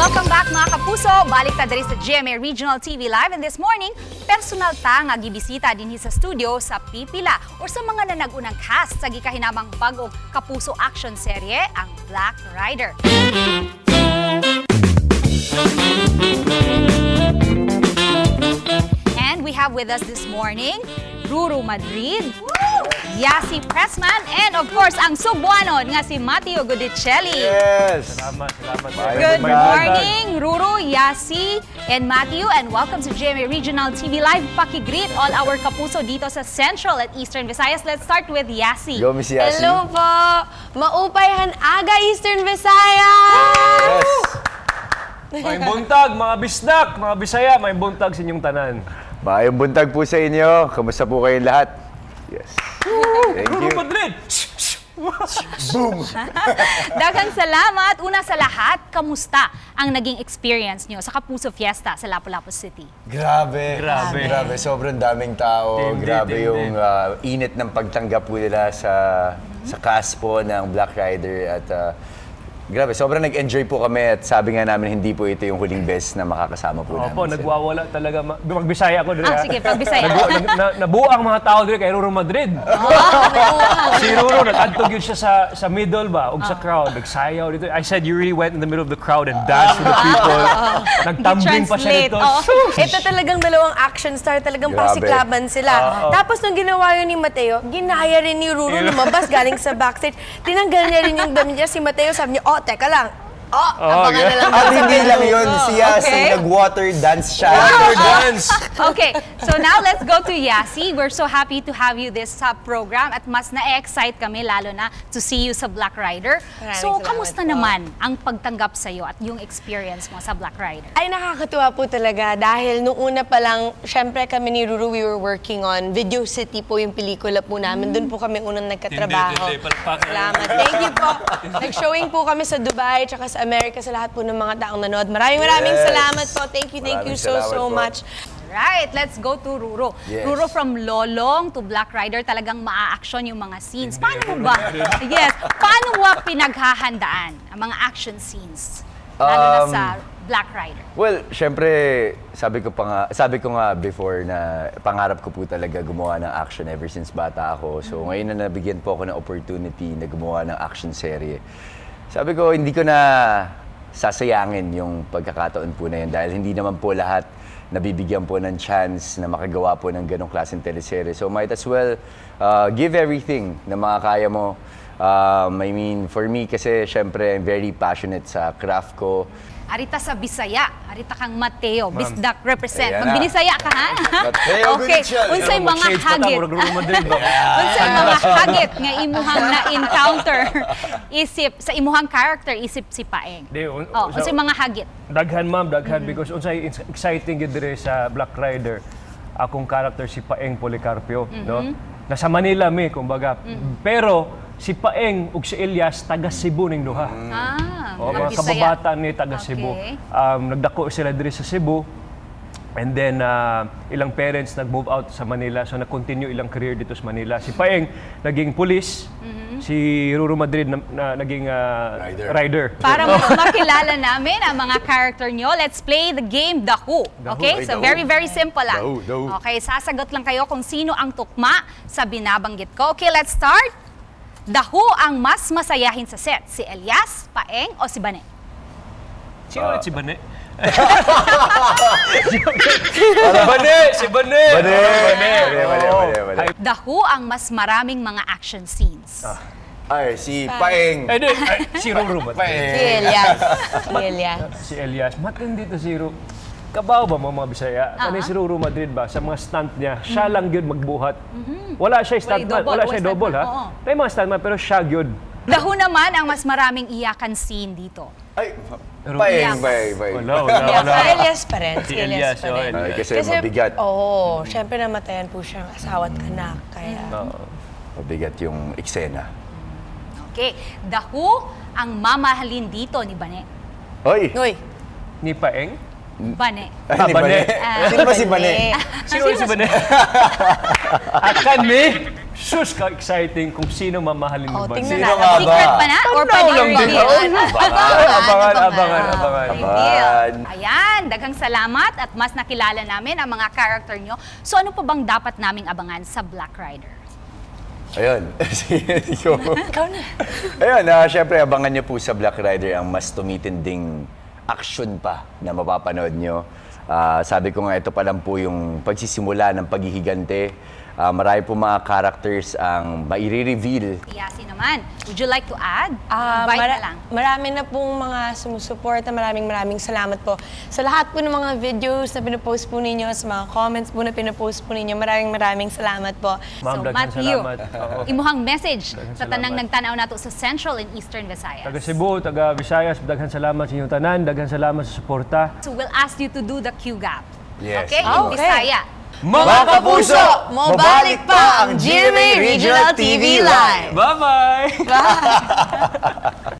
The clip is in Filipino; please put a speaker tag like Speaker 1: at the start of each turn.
Speaker 1: Welcome back mga kapuso. Balik ta diri sa GMA Regional TV Live, and this morning, personal ta nga gibisita dinhi sa studio sa Pipila or sa mga nanag-unang cast sa gikahinamang bagong kapuso action serye, ang Black Rider. And we have with us this morning Ruru Madrid, Yasi Pressman, and of course ang Subuanon nga si Matteo Gudicelli.
Speaker 2: Yes!
Speaker 3: Salamat.
Speaker 1: Good morning, Ruru, Yasi, and Matthew, and welcome to GMA Regional TV Live. Paki-greet all our kapuso dito sa Central at Eastern Visayas. Let's start with Yasi.
Speaker 2: Go, Miss Yasi.
Speaker 4: Hello po! Maupayhan aga Eastern Visayas!
Speaker 2: Yes!
Speaker 3: May buntag, mga bisdak, mga Bisaya, may buntag sa inyong tanan.
Speaker 2: Maayong buntag po sa inyo. Kamusta po kayong lahat? Yes. Thank you.
Speaker 3: Madrid!
Speaker 2: Boom!
Speaker 1: Daghang salamat. Una sa lahat, kamusta ang naging experience nyo sa Kapuso Fiesta sa Lapu-Lapu City?
Speaker 2: Grabe.
Speaker 3: Grabe.
Speaker 2: Sobrang daming tao.
Speaker 3: Tindi,
Speaker 2: Grabe
Speaker 3: tindi.
Speaker 2: yung init ng pagtanggap po nila sa cast po ng Black Rider. At grabe, sobrang nag-enjoy po kami. At sabi nga namin, hindi po ito yung huling best na makakasama po namin.
Speaker 3: Opo,
Speaker 2: sila.
Speaker 3: nagwawala talaga. Magbisaya ako dito.
Speaker 1: Sige, pagbisaya.
Speaker 3: Nabuo ang mga tao dito kay Ruru Madrid. Si Ruru, nag-antog yun siya sa middle ba, o sa crowd. Nagsayaw dito. I said, you really went in the middle of the crowd and danced with the people. Nagtambling pa siya dito.
Speaker 4: Ito talagang dalawang action star, talagang
Speaker 2: Grabe.
Speaker 4: pasiklaban sila. Tapos nung ginawa yun ni Mateo, ginaya rin ni Ruru lumabas galing sa backstage. Tinanggal niya rin yung damit niya si Mateo, sabi niya, oh, teka lang. Abangan
Speaker 3: okay.
Speaker 4: na lang.
Speaker 2: At hindi lang yun. Si Yasi,
Speaker 1: Okay.
Speaker 2: nag-water dance siya.
Speaker 3: Dance!
Speaker 1: Okay, so now let's go to Yasi. We're so happy to have you this program at mas na-excite kami lalo na to see you sa Black Rider.
Speaker 4: Maraming
Speaker 1: So,
Speaker 4: salamat
Speaker 1: kamusta
Speaker 4: po.
Speaker 1: naman ang pagtanggap sa'yo at yung experience mo sa Black Rider?
Speaker 4: Ay, nakakatuwa po talaga dahil nung una pa lang, syempre kami ni Ruru, we were working on Video City po yung pelikula po namin. Doon po kami unang nagkatrabaho. Salamat. Thank you po. Nag-showing po kami sa Dubai tsaka sa Amerika sa lahat po ng mga taong nanood. Maraming
Speaker 2: Yes.
Speaker 4: salamat po. Thank you
Speaker 2: Maraming
Speaker 4: so
Speaker 2: salamat po.
Speaker 4: much.
Speaker 1: Right, let's go to Ruro.
Speaker 2: Yes.
Speaker 1: Ruro, from Lolong to Black Rider, talagang maa-action yung mga scenes. Paano mo ba? Yes. Paano mo pinaghahandaan ang mga action scenes? Lalo na sa Black Rider.
Speaker 2: Well, syempre, sabi ko nga before na pangarap ko po talaga gumawa ng action ever since bata ako. So ngayon na nabigyan po ako ng opportunity na gumawa ng action serye. Sabi ko, hindi ko na sasayangin yung pagkakataon po na yun dahil hindi naman po lahat nabibigyan po ng chance na makagawa po ng ganong klaseng teleserye. So might as well give everything na makakaya mo. I mean, for me kasi syempre I'm very passionate sa craft ko.
Speaker 1: Arita sa Bisaya, arita kang Mateo, Bisdak represent.
Speaker 2: Ayan na.
Speaker 1: Magbinisaya ka, ha?
Speaker 2: Mateo
Speaker 1: Okay,
Speaker 2: Gudicelli.
Speaker 1: unsay mga hagit.
Speaker 3: Ruru Madrid ba?
Speaker 1: Unsay mga hagit nga imuhang na-encounter isip, sa imuhang character, isip si Paeng. Unsay mga hagit.
Speaker 3: Daghan ma'am, daghan because unsay exciting yun dire sa Black Rider. Akong character si Paeng Policarpio, no? Nasa Manila mi kumbaga. Pero si Paeng ug si Elias taga Cebu ning duha. O, mga
Speaker 1: Bisaya.
Speaker 3: kababata ni taga Cebu.
Speaker 1: Okay.
Speaker 3: Nagdako sila diri sa Cebu. And then, ilang parents nag-move out sa Manila. So, nag-continue ilang career dito sa Manila. Si Paeng, naging police. Si Ruru Madrid, naging rider.
Speaker 1: Para makilala namin ang mga character nyo, let's play the game The Who. Okay? So very simple lang.
Speaker 2: The Who.
Speaker 1: Okay, sasagot lang kayo kung sino ang tukma sa binabanggit ko. Okay, let's start. The Who ang mas masayahin sa set? Si Elias, Paeng, o si Bane?
Speaker 3: Sino si Bane? Si Bane!
Speaker 2: Bane.
Speaker 1: The Who ang mas maraming mga action scenes?
Speaker 2: Ay, si Paeng.
Speaker 3: Si Ruru Madrid.
Speaker 4: Si Elias. Si Elias.
Speaker 3: Si Elias. Matindi to si Ruru. Kabaw ba mga Bisaya? Kani si Ruru Madrid ba? Sa mga stunt niya, siya lang yun magbuhat. Wala siya stuntman.
Speaker 1: double,
Speaker 3: Wala siya
Speaker 1: wala
Speaker 3: double, ha?
Speaker 1: stuntman, oo.
Speaker 3: May mga stuntman, pero siya yun.
Speaker 1: The Who naman ang mas maraming iyakan scene dito.
Speaker 2: Ay,
Speaker 1: Elias.
Speaker 2: Paeng.
Speaker 4: Si Elias pa rin.
Speaker 3: Si Elias,
Speaker 4: pa rin.
Speaker 2: Ay, kasi mabigat.
Speaker 4: Oo, syempre namatayan po siyang asawa at anak. Kaya,
Speaker 2: Mabigat yung eksena.
Speaker 1: Okay, The Who ang mamahalin dito ni Bane.
Speaker 2: Hoy!
Speaker 4: Uy,
Speaker 3: Ni Paeng?
Speaker 1: Bane.
Speaker 2: Ay, ni
Speaker 3: Bane.
Speaker 2: Bane. Sino ba si Bane?
Speaker 3: Sino si Bane? Akan mi? sus ka-exciting kung sino mamahalin ni
Speaker 4: Oh,
Speaker 3: Bansi.
Speaker 4: tingnan
Speaker 2: Sino
Speaker 4: natin.
Speaker 2: nga ba?
Speaker 1: Secret pa na? Or pwede
Speaker 3: lang din.
Speaker 1: i-reveal?
Speaker 3: Abangan.
Speaker 1: Reveal. Ayan, daghang salamat at mas nakilala namin ang mga character nyo. So ano pa bang dapat naming abangan sa Black Rider?
Speaker 2: Ayun. Ayun, syempre abangan niyo po sa Black Rider ang mas tumitinding action pa na mapapanood niyo. Sabi ko nga, ito pa lang po yung pagsisimula ng paghihigante. Marami po mga characters ang maire-reveal.
Speaker 1: Yasi naman, would you like to add? Invite na lang.
Speaker 4: Marami na pong mga sumusuporta. Maraming salamat po. Sa lahat po ng mga videos na pinopost po ninyo, sa mga comments po na pinopost po ninyo, maraming salamat po.
Speaker 3: Ma'am,
Speaker 1: So,
Speaker 3: daghang
Speaker 1: Matthew,
Speaker 3: salamat. Oo.
Speaker 1: imuhang message
Speaker 3: Daghang
Speaker 1: sa tanang
Speaker 3: salamat.
Speaker 1: nagtanaw nato sa Central and Eastern Visayas.
Speaker 3: Taga Cebu, taga Visayas, daghan salamat sa inyong tanan, daghan salamat sa suporta.
Speaker 1: So we'll ask you to do the Q gap.
Speaker 2: Yes.
Speaker 1: Okay? In
Speaker 4: Okay.
Speaker 1: Bisaya.
Speaker 2: Mga kapuso,
Speaker 4: mabalik pa ang GMA Regional TV Live!
Speaker 3: Bye-bye!